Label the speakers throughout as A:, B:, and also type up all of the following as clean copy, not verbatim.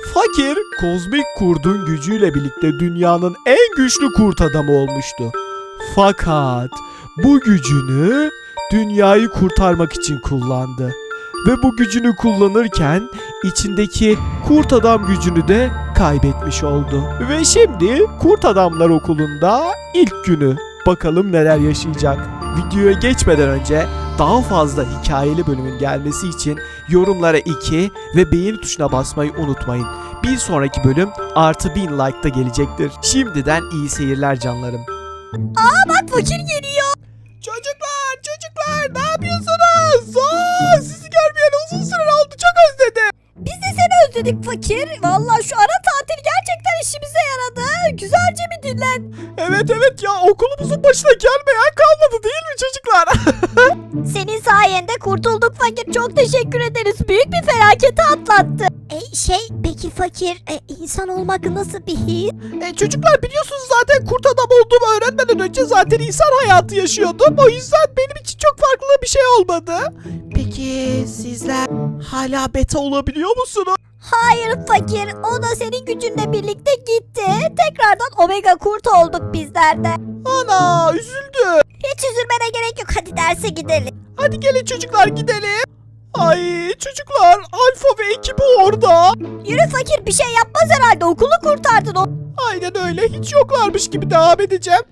A: Fakir, kozmik kurdun gücüyle birlikte dünyanın en güçlü kurt adamı olmuştu. Fakat bu gücünü dünyayı kurtarmak için kullandı. Ve bu gücünü kullanırken içindeki kurt adam gücünü de kaybetmiş oldu. Ve şimdi Kurt Adamlar Okulu'nda ilk günü. Bakalım neler yaşayacak. Videoya geçmeden önce daha fazla hikayeli bölümün gelmesi için yorumlara 2 ve beğeni tuşuna basmayı unutmayın. Bir sonraki bölüm artı 1000 like'da gelecektir. Şimdiden iyi seyirler canlarım.
B: Bak fakir geliyor.
A: Çocuklar ne yapıyorsunuz? Sizi görmeyeli uzun süre oldu, çok özledim.
B: Biz de seni özledik fakir. Vallahi şu ara tatil gerçekten işimize yaradı. Güzelce bir dinlen.
A: Evet ya, okulumuzun başına gelmeyen kalmadı değil mi çocuklar?
B: Senin sayende kurtulduk fakir. Çok teşekkür ederiz. Büyük bir felaketi atlattı. Peki fakir insan olmak nasıl bir his?
A: Çocuklar biliyorsunuz zaten kurt adam olduğumu öğrenmeden önce zaten insan hayatı yaşıyordum. O yüzden benim için çok farklı bir şey olmadı. Peki sizler hala beta olabiliyor musunuz?
B: Hayır fakir. O da senin gücünle birlikte gitti. Tekrardan omega kurt olduk bizler de.
A: Ana, üzüldüm.
B: Hiç üzülmene gerek yok. Hadi derse gidelim.
A: Hadi gelin çocuklar gidelim. Ay çocuklar, Alfa ve ekibi orada.
B: Yürü fakir, bir şey yapmaz herhalde. Okulu kurtardın o.
A: Aynen öyle, hiç yoklarmış gibi devam edeceğim.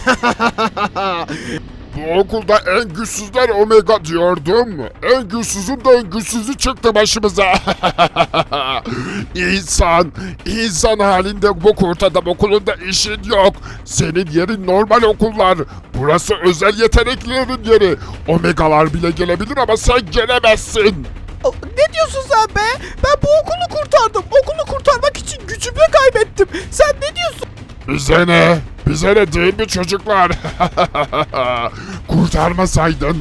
C: Bu okulda en güçsüzler Omega diyordum. En güçsüzün de en güçsüzü çıktı başımıza. İnsan halinde bu kurt adam okulunda işin yok. Senin yerin normal okullar. Burası özel yeteneklilerin yeri. Omegalar bile gelebilir ama sen gelemezsin.
A: Ne diyorsun sen be? Ben bu okulu kurtardım. Okulu kurtarmak için gücümü kaybettim. Sen ne diyorsun?
C: Bize ne? Bize ne değil mi çocuklar? Kurtarmasaydın.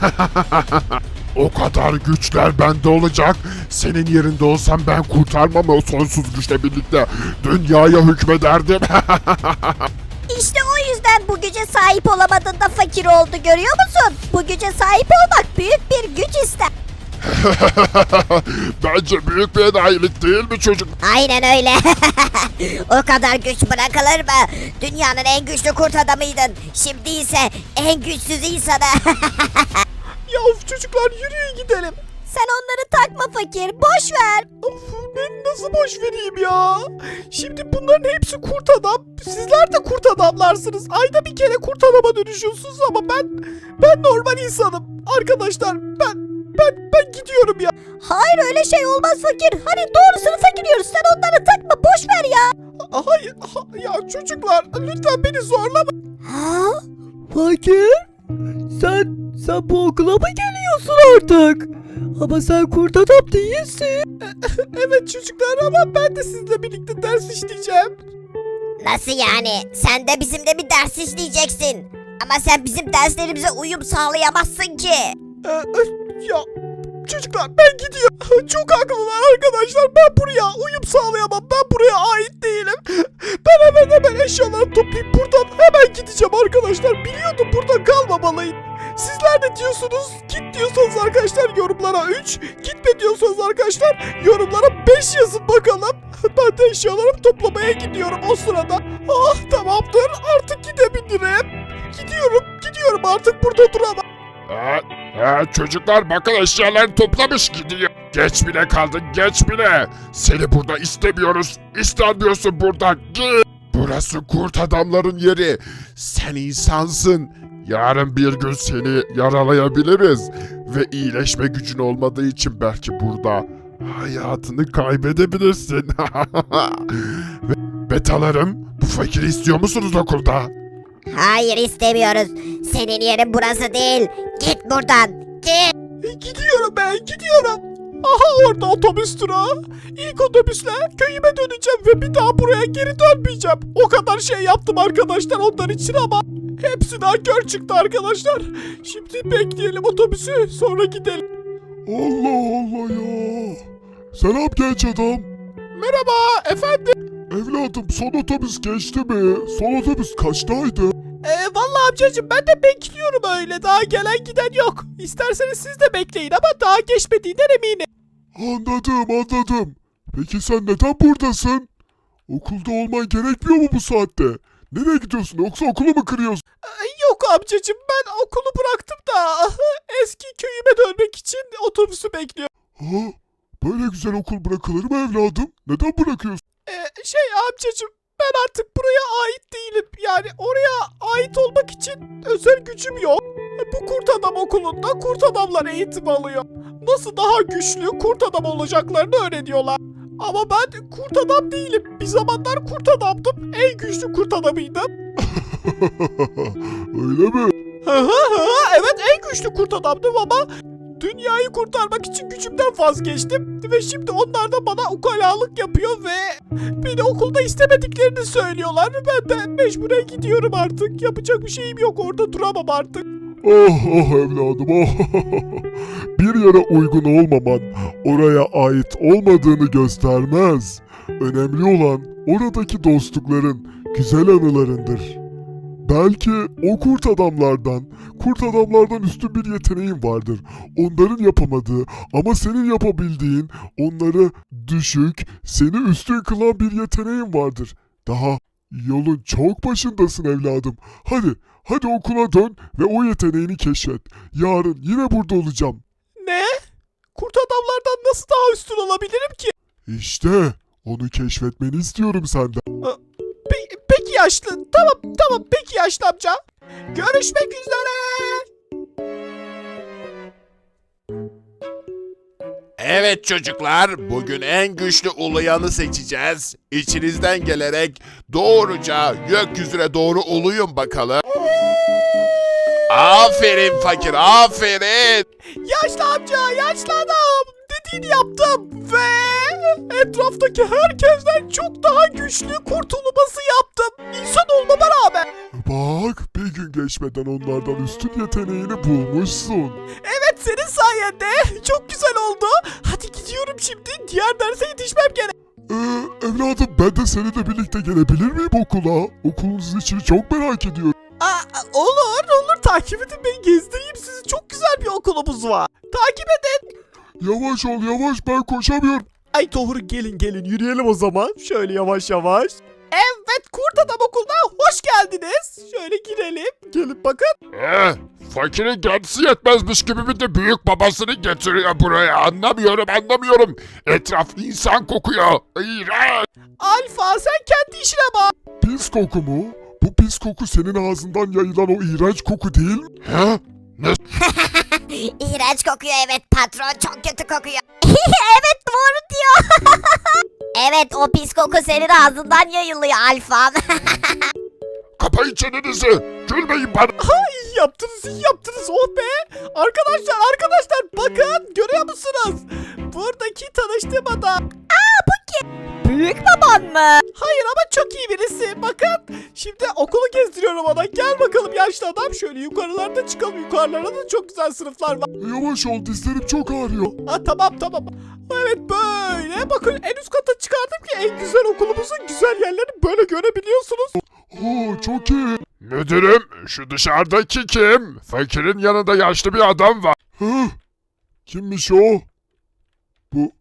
C: O kadar güçler bende olacak. Senin yerinde olsam ben kurtarmam o sonsuz güçle birlikte. Dünyaya hükmederdim.
B: İşte o yüzden bu güce sahip olamadın da fakir oldu, görüyor musun? Bu güce sahip olmak büyük bir güç ister.
C: Bence büyük bir enayilik değil mi çocuk?
B: Aynen öyle. O kadar güç bırakılır mı? Dünyanın en güçlü kurt adamıydın. Şimdi ise en güçsüz insanı.
A: Ya of çocuklar, yürüyün gidelim.
B: Sen onları takma fakir. Boş ver.
A: Of, ben nasıl boş vereyim ya? Şimdi bunların hepsi kurt adam. Sizler de kurt adamlarsınız. Ayda bir kere kurt adama dönüşüyorsunuz ama ben normal insanım. Arkadaşlar ben gidiyorum ya.
B: Hayır, öyle şey olmaz fakir. Hani doğrusunu fakiriyoruz. Sen onları takma. Boş ver ya.
A: Hayır ya çocuklar, lütfen beni zorlama.
B: Ha?
D: Fakir, sen bu okula mı geliyorsun artık? Ama sen kurt adam değilsin.
A: Evet çocuklar, ama ben de sizinle birlikte ders işleyeceğim.
B: Nasıl yani? Sen de bizimle bir ders işleyeceksin. Ama sen bizim derslerimize uyum sağlayamazsın ki.
A: Ya çocuklar, ben gidiyorum. Çok haklılar arkadaşlar. Ben buraya uyum sağlayamam. Ben buraya ait değilim. Ben hemen eşyalarımı toplayıp buradan hemen gideceğim arkadaşlar. Biliyordum burada kalmamalıyım. Sizler ne diyorsunuz? Git diyorsanız arkadaşlar yorumlara 3. Gitme diyorsanız arkadaşlar yorumlara 5 yazın bakalım. Ben de eşyalarımı toplamaya gidiyorum o sırada. Ah, tamamdır, artık gidebilirim. Gidiyorum artık, burada duramam.
C: Çocuklar bakın, eşyalarını toplamış gidiyor. Geç bile kaldın, geç bile. Seni burada istemiyoruz. İstenmiyorsun burada. Git. Burası kurt adamların yeri. Sen insansın. Yarın bir gün seni yaralayabiliriz. Ve iyileşme gücün olmadığı için belki burada hayatını kaybedebilirsin. Betalarım, bu fakiri istiyor musunuz okulda?
B: Hayır, istemiyoruz. Senin yerin burası değil. Git buradan. Git.
A: Gidiyorum. Aha, orada otobüs durağı. İlk otobüsle köyüme döneceğim ve bir daha buraya geri dönmeyeceğim. O kadar şey yaptım arkadaşlar onlar için ama hepsi nankör çıktı arkadaşlar. Şimdi bekleyelim otobüsü, sonra gidelim.
C: Allah Allah ya. Selam genç adam.
A: Merhaba efendim.
C: Evladım, son otobüs geçti mi? Son otobüs kaçtaydı?
A: Vallahi amcacığım, ben de bekliyorum öyle. Daha gelen giden yok. İsterseniz siz de bekleyin ama daha geçmediğinden eminim.
C: Anladım. Peki sen neden buradasın? Okulda olman gerekmiyor mu bu saatte? Nereye gidiyorsun yoksa okulu mu kırıyorsun?
A: Yok amcacığım, ben okulu bıraktım da eski köyüme dönmek için otobüsü bekliyorum.
C: Ha? Böyle güzel okul bırakılır mı evladım? Neden bırakıyorsun?
A: Amcacığım, ben artık buraya ait değilim. Yani oraya ait olmak için özel gücüm yok. Bu kurt adam okulunda kurt adamlar eğitim alıyor. Nasıl daha güçlü kurt adam olacaklarını öğreniyorlar. Ama ben kurt adam değilim. Bir zamanlar kurt adamdım. En güçlü kurt adamıydım.
C: Öyle mi?
A: Evet, en güçlü kurt adamdım ama dünyayı kurtarmak için gücümden vazgeçtim. Ve şimdi onlar da bana ukalalık yapıyor ve beni okulda istemediklerini söylüyorlar. Ben de mecburen gidiyorum artık. Yapacak bir şeyim yok, orada duramam artık.
C: Oh evladım oh. Bir yere uygun olmaman oraya ait olmadığını göstermez. Önemli olan oradaki dostlukların güzel anılarındır. Belki o kurt adamlardan üstün bir yeteneğin vardır. Onların yapamadığı ama senin yapabildiğin, onları düşük, seni üstün kılan bir yeteneğin vardır. Daha yolun çok başındasın evladım. Hadi okula dön ve o yeteneğini keşfet. Yarın yine burada olacağım.
A: Ne? Kurt adamlardan nasıl daha üstün olabilirim ki?
C: İşte onu keşfetmeni istiyorum senden.
A: Peki yaşlı. Tamam peki yaşlı amca. Görüşmek üzere.
E: Evet çocuklar, bugün en güçlü uluyanı seçeceğiz. İçinizden gelerek doğruca gökyüzüne doğru uluyun bakalım. Aferin fakir, aferin.
A: Yaşlı amca, yaşlı adam. Dediğini yaptım ve etraftaki herkesten çok daha güçlü kurtulması yaptım. İnsan olmama rağmen.
C: Bak bir gün geçmeden onlardan üstün yeteneğini bulmuşsun.
A: Evet, senin sayende. Çok güzel oldu. Hadi gidiyorum şimdi. Diğer derse yetişmem gerek.
C: Evladım ben de seninle birlikte gelebilir miyim okula? Okulunuzun içini çok merak ediyorum.
A: Olur. Takip edin, beni gezdireyim sizi. Çok güzel bir okulumuz var. Takip edin.
C: Yavaş ol yavaş ben koşamıyorum.
A: Ay doğru, gelin yürüyelim o zaman. Şöyle yavaş yavaş. Evet, Kurt Adam Okulu'na hoş geldiniz. Şöyle girelim. Gelin bakın.
C: Fakirin kendisi yetmezmiş gibi bir de büyük babasını getiriyor buraya. Anlamıyorum. Etraf insan kokuyor. İğrenç.
A: Alfa, sen kendi işine bak.
C: Pis koku mu? Bu pis koku senin ağzından yayılan o iğrenç koku değil mi? He?
B: İğrenç kokuyor, evet patron, çok kötü kokuyor. Evet, doğru diyor. Evet, o pis koku senin ağzından yayılıyor Alfa.
C: Kapayın çenenizi. Gülmeyin bana.
A: İyi yaptınız. Oh be. Arkadaşlar bakın, görüyor musunuz? Buradaki tanıştığım adam.
B: Büyük baban mı?
A: Hayır ama çok iyi birisi. Bakın, şimdi okulu gezdiriyorum ona. Gel bakalım yaşlı adam. Şöyle yukarılarda çıkalım. Yukarılarda da çok güzel sınıflar var.
C: Yavaş ol dizlerim çok ağrıyor.
A: Tamam. Evet, böyle. Bakın, en üst kata çıkardım ki en güzel okulumuzun güzel yerlerini böyle görebiliyorsunuz.
C: Oo çok iyi. Müdürüm şu dışarıdaki kim? Fakirin yanında yaşlı bir adam var. Kimmiş o? Bu.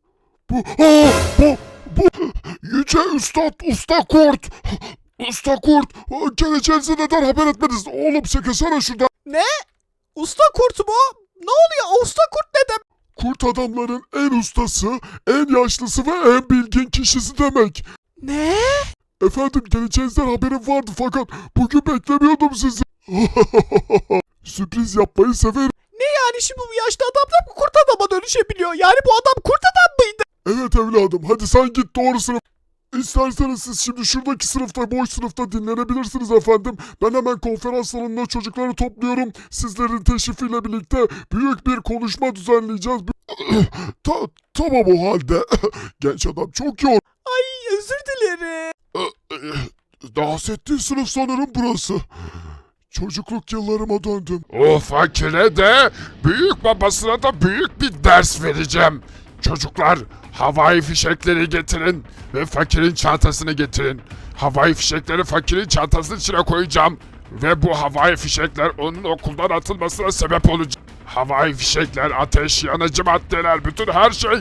C: Yüce Üstad Usta Kurt. Usta Kurt. Geleceğinizi neden haber etmediniz? Oğlum çekilsene şuradan.
A: Usta kurt mu? Ne oluyor? Usta kurt ne demek?
C: Kurt adamların en ustası, en yaşlısı ve en bilgin kişisi demek.
A: Ne?
C: Efendim geleceğinizden haberim vardı fakat bugün beklemiyordum sizi. Sürpriz yapmayı severim.
A: Yani şimdi bu yaşlı adam da kurt adama dönüşebiliyor. Yani bu adam kurt adam mıydı?
C: Evet evladım hadi sen git doğru sınıf. İsterseniz siz şimdi şuradaki sınıfta, boş sınıfta dinlenebilirsiniz efendim. Ben hemen konferans salonuna çocukları topluyorum. Sizlerin teşrifiyle birlikte büyük bir konuşma düzenleyeceğiz. Tamam o halde. Genç adam çok yoğun.
A: Ay, özür dilerim.
C: Bahsettiğin sınıf sanırım burası. Çocukluk yıllarıma döndüm. O fakire de büyük babasına da büyük bir ders vereceğim. Çocuklar havai fişekleri getirin ve fakirin çantasını getirin. Havai fişekleri fakirin çantasının içine koyacağım. Ve bu havai fişekler onun okuldan atılmasına sebep olacak. Havai fişekler, ateş, yanıcı maddeler, bütün her şey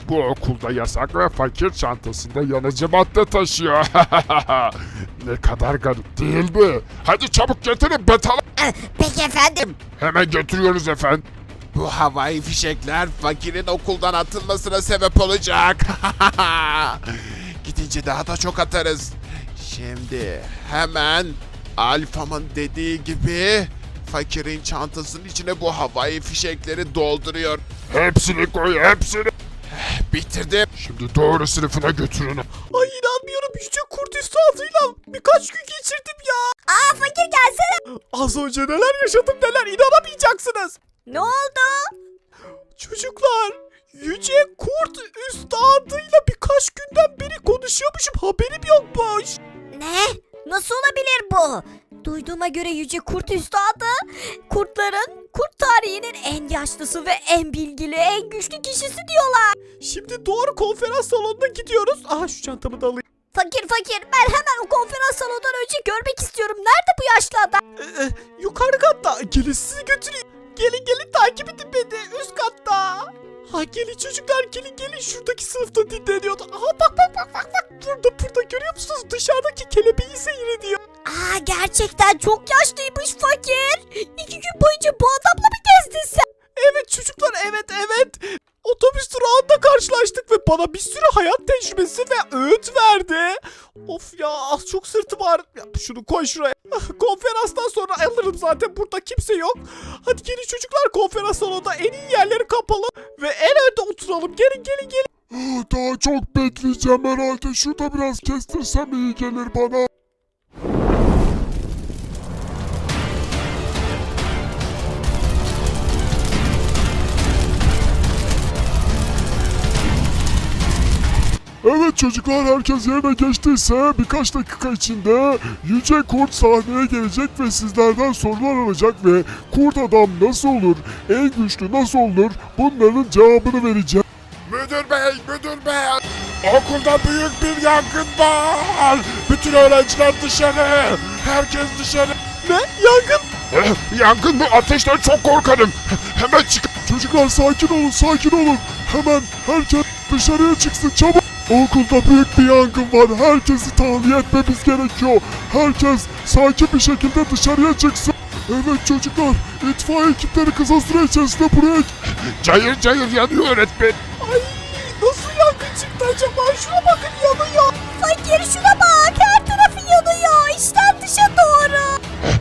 C: Bu okulda yasak ve fakir çantasında yanıcı madde taşıyor. Ne kadar garip değil mi? Hadi çabuk getirin betalım.
B: Peki efendim.
C: Hemen götürüyoruz efendim.
E: Bu havai fişekler fakirin okuldan atılmasına sebep olacak. Gidince daha da çok atarız. Şimdi hemen Alfa'mın dediği gibi fakirin çantasının içine bu havai fişekleri dolduruyor.
C: Hepsini koy hepsini.
E: Bitirdim.
C: Şimdi doğru sınıfına götürün.
A: Ay inanmıyorum, yüce kurt üstadıyla birkaç gün geçirdim ya.
B: Aa fakir gelsene.
A: Az önce neler yaşadım neler, inanamayacaksınız.
B: Ne oldu?
A: Çocuklar, yüce kurt üstadıyla birkaç günden beri konuşuyormuşum, haberim yokmuş.
B: Ne? Nasıl olabilir bu? Duyduğuma göre Yüce Kurt Üstadı kurt tarihinin en yaşlısı ve en bilgili, en güçlü kişisi diyorlar.
A: Şimdi doğru konferans salonuna gidiyoruz. Aha şu çantamı da alayım.
B: Fakir ben hemen o konferans salonundan önce görmek istiyorum. Nerede bu yaşlı adam?
A: Yukarı katta. Gelin sizi götüreyim. Gelin takip edin beni üst katta. Ha gelin çocuklar, gelin şuradaki sınıfta dinleniyordu. Aha bak. Burada görüyor musunuz? Dışarıdaki kelebeği seyrediyor.
B: Aa gerçekten çok yaşlıymış fakir. 2 gün boyunca bu adamla mı gezdin sen?
A: Evet çocuklar, evet. Otobüs durağında karşılaştık ve bana bir sürü hayat tecrübesi ve öğüt verdi. Of ya, az çok sırtım ağrıyor. Ya şunu koy şuraya. Konferanstan sonra alırım, zaten burada kimse yok. Hadi gelin çocuklar, konferans salonunda en iyi yerleri kapalı ve en önde oturalım. Gelin.
C: Daha çok bekleyeceğim herhalde. Şurada biraz kestirsem iyi gelir bana. Evet çocuklar, herkes yerine geçtiyse birkaç dakika içinde Yüce Kurt sahneye gelecek ve sizlerden sorular alacak ve kurt adam nasıl olur, en güçlü nasıl olur, bunların cevabını vereceğim.
E: Müdür bey. Okulda büyük bir yangın var. Bütün öğrenciler dışarı. Herkes dışarı.
A: Ne? Yangın?
C: Yangın mı? Ateşten çok korkarım. Hemen çık. Çocuklar sakin olun. Hemen herkes dışarıya çıksın çabuk. Okulda büyük bir yangın var. Herkesi tahliye etmemiz gerekiyor. Herkes sakin bir şekilde dışarıya çıksın. Evet çocuklar, itfaiye ekipleri kısa süre içerisinde buraya... Cayır yanıyor öğretmen.
A: Ay nasıl yangın çıktı acaba? Şuna bakın, yanıyor.
B: Fakir şuna bak, her tarafı yanıyor. İçten dışa doğru.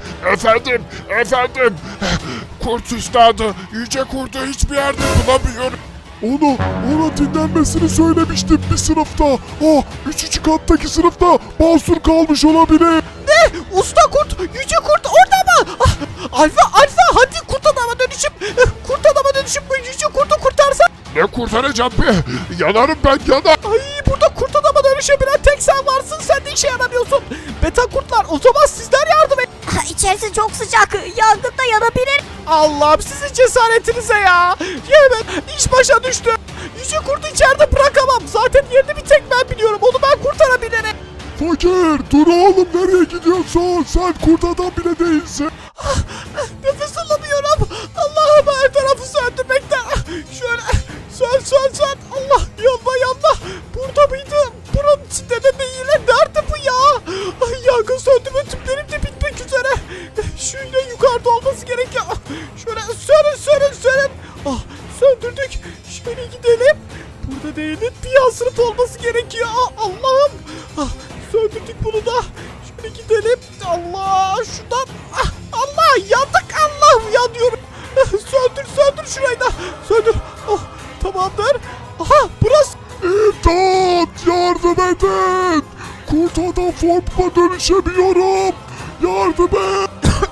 C: Efendim. Kurt üstadı, yüce kurdu hiçbir yerde bulamıyorum. Ona dinlenmesini söylemiştim bir sınıfta. 3. kattaki sınıfta basur kalmış olabilir.
A: Ne? Usta kurt, yüce kurt orada mı? Alfa, hadi kurt adama dönüşüp bu yüce kurtu kurtarsan.
C: Ne kurtaracağım be? Yanarım ben.
A: Ay burada kurt adama dönüşebilen tek sen varsın, sen de işe yaramıyorsun. Beta kurtlar, o zaman sizler yardım et.
B: İçerisi çok sıcak, yangında yanabilir.
A: Allah'ım sizin cesaretinize ya. Yemin iş başa düştü. Yüce kurtu içeride bırakamam. Zaten yerini bir tek ben biliyorum. Onu ben kurtarabilirim.
C: Fakir, dur oğlum, nereye gidiyorsun? Sen kurt adam bile değilsin.
A: Nefes alamıyorum. Allah'ım her tarafı söndürmekten. Şöyle sön. Allah yanma. Burada mıydı? Buranın içinde de değil. Nerede bu ya? Ay, yangın söndürme tüplerim de bitmek üzere. Şöyle yukarıda olması gerekiyor. Şöyle sönün. Söndürdük. Şöyle gidelim. Burada değil. Bir yan sınıf olması gerekiyor. Allah'ım. Söndürdük bunu da. Şöyle gidelim. Allah şuradan. Allah yandık. Allah'ım yanıyorum. Söndür şurayı da. Söndür. Tamamdır. Aha burası.
C: İmdat! Yardım edin! Kurt adam formuma dönüşemiyorum! Yardım et!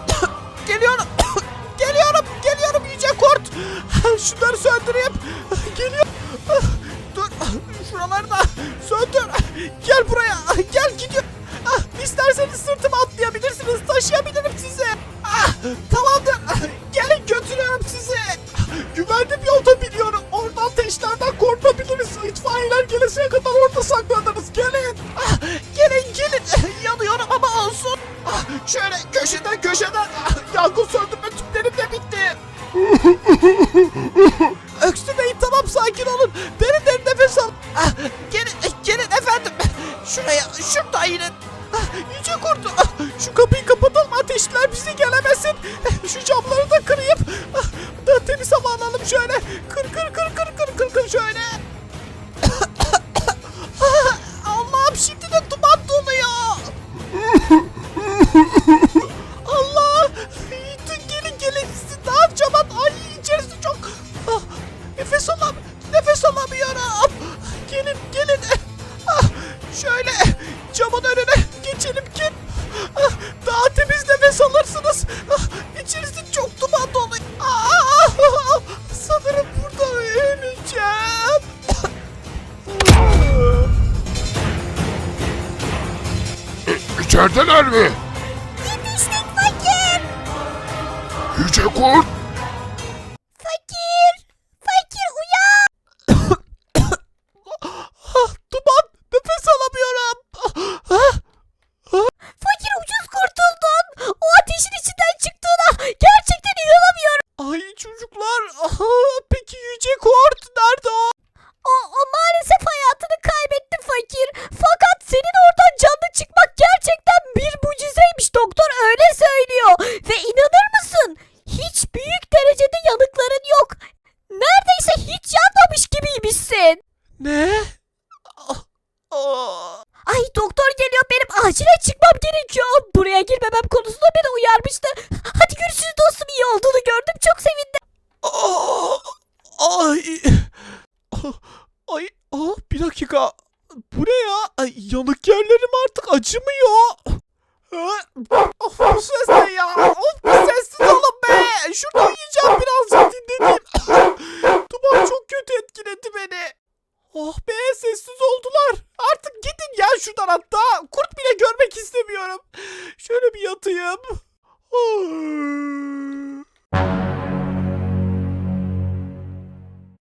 A: Geliyorum yüce kurt. Şunları söndüreyim. Geliyor. Dur. Şuraları da söndür. Gel buraya. Gel gidiyor. İsterseniz sırtıma atlayabilirsiniz. Taşıyabilirim sizi. Tamamdır. Gelin götürüyorum sizi. Güvenli bir yolda biliyorum. Oradan ateşlerden korunabiliriz. İtfaiyeler geleseye kadar orada saklanırız. Gelin. Gelin. Yanıyorum ama olsun. Şöyle köşeden. Yangın söndürme tüplerim de bitti. Öksürmeyin, tamam, sakin olun. Derin nefes şuradayım. Yüce kurt. Şu kapıyı kapatalım, ateşler bize gelemesin. Şu camları da kırayım. Da temiz hava alalım şöyle. Kır şöyle. Allah'ım şimdi de duman doluyor. Allah. Gelin sizi ne yapacağım? Ay içerisi çok. Nefes alamıyorum. Gelin. Şöyle camın önüne geçelim ki daha temiz nefes alırsınız. İçerisi çok duman dolu. Sanırım burada öleceğim.
C: İçerideler mi?
B: Yetiştik fakir.
C: Yüce kurt.
B: Fakir uyan.
A: Duman, nefes alamıyorum.
B: Fakir ucuz kurtuldun. O ateşin içinden çıktığına gerçekten inanamıyorum.
A: Ay çocuklar. Peki Yüce Kurt nerede o?
B: O maalesef hayatını kaybetti fakir. Fakat senin oradan canlı çıkmak gerçekten bir mucizeymiş. Doktor öyle söylüyor. Ve inanır mısın? Hiç büyük derecede yanıkların yok. Neredeyse hiç yanmamış gibiymişsin.
A: Ne?
B: Ay doktor geliyor, benim acilen çıkmam gerekiyor. Buraya girmemem konusunda beni uyarmıştı. Hadi görüşürüz dostum, iyi olduğunu gördüm, çok sevindim.
A: Bir dakika. Bu ne ya? Ay, yanık yerlerim artık acımıyor. Bu ses ne ya? Bir sessiz olun be. Şurada uyuyacağım, birazcık dinleneyim. Duman çok kötü etkiledi beni. Oh be, sessiz oldular. Artık gidin ya şuradan hatta. Kurt bile görmek istemiyorum. Şöyle bir yatayım.